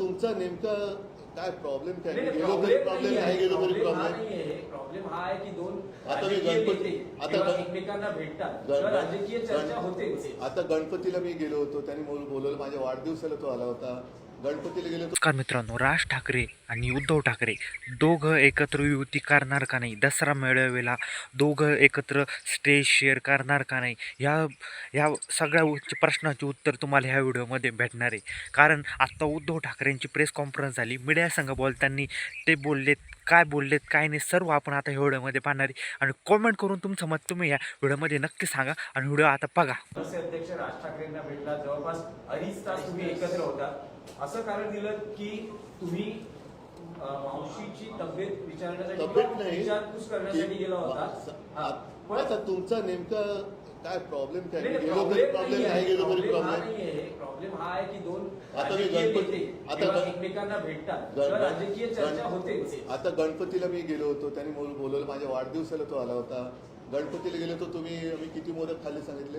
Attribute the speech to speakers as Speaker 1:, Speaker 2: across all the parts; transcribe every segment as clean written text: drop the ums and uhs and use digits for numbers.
Speaker 1: तुमचा नेमका काय प्रॉब्लेम काय?
Speaker 2: नाही,
Speaker 1: गेलो तरी प्रॉब्लेम, नाही गेलो तरी प्रॉब्लेम.
Speaker 2: प्रॉब्लेम हा आहे की दोन
Speaker 1: आता मी
Speaker 2: राजकीय
Speaker 1: गणपती
Speaker 2: नेते
Speaker 1: आता
Speaker 2: जेव्हा एकमेकांना भेटतात तेव्हा राजकीय चर्चा होते.
Speaker 1: आता गणपतीला मी गेलो होतो, त्यांनी बोलवलं, माझ्या वाढदिवसाला तो आला होता. गणपतीला गेलो होतो.
Speaker 3: नमस्कार मित्रांनो, राज ठाकरे आणि उद्धव ठाकरे दोघं एकत्र युती करणार का नाही, दसरा मेळाव्याला दोघं एकत्र स्टेज शेअर करणार का नाही, या सगळ्या प्रश्नाचे उत्तर तुम्हाला ह्या व्हिडिओमध्ये भेटणार आहे. कारण आत्ता उद्धव ठाकरेंची प्रेस कॉन्फरन्स झाली, मीडियासंग बोलताना ते बोललेत, काय बोललेत काय नाही, सर्व आपण आता ह्या व्हिडिओमध्ये पाहणार आहे. आणि कॉमेंट करून तुमचं मत तुम्ही या व्हिडिओमध्ये नक्की सांगा आणि व्हिडिओ आता बघा.
Speaker 2: अध्यक्ष राज ठाकरेंना भेटला, जवळपास 2.5 तास तुम्ही एकत्र होता. असं कारण दिलं की तुम्ही मावशीची तब्येत विचारण्यासाठी विचारपूस करण्यासाठी गेला होता.
Speaker 1: आता तुमचा नेमका काय प्रॉब्लेम काय?
Speaker 2: नाही,
Speaker 1: गेलो तरी प्रॉब्लेम, नाही गेलो तरी प्रॉब्लेम.
Speaker 2: प्रॉब्लेम हा आहे की दोन
Speaker 1: आता मी
Speaker 2: राजकीय
Speaker 1: गणपती
Speaker 2: नेते जेव्हा एकमेकांना भेटतात तेव्हा राजकीय चर्चा होते.
Speaker 1: आता गणपतीला मी गेलो होतो, त्यांनी बोलवलं, माझ्या वाढदिवसाला तो आला होता. गणपतीला गेलो होतो, आम्ही किती मोदक खाल्ले सांगितले?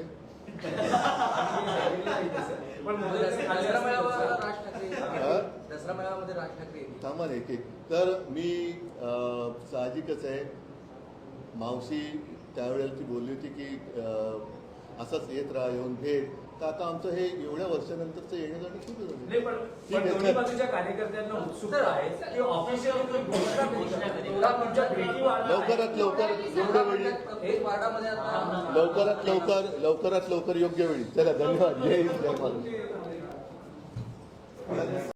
Speaker 2: पण
Speaker 4: दसरा मेळाव्यामध्ये राज ठाकरे
Speaker 1: थांबा ना, एक तर मी साहजिकच आहे, मावशी त्यावेळेला ती बोलली होती की असंच येत राहा, येऊन भेट. तर आता आमचं हे एवढ्या वर्षानंतरचं येणं जाणं सुरू
Speaker 2: नाही, पण दोन्ही बाजूच्या कार्यकर्त्यांना उत्सुकता आहे की ऑफिशियली तुमच्या भेटी
Speaker 1: लवकरात लवकर एवढ्या वेळी, लवकरात लवकर योग्य वेळी. चला, धन्यवाद. जय हिंद, जय महाराष्ट्र.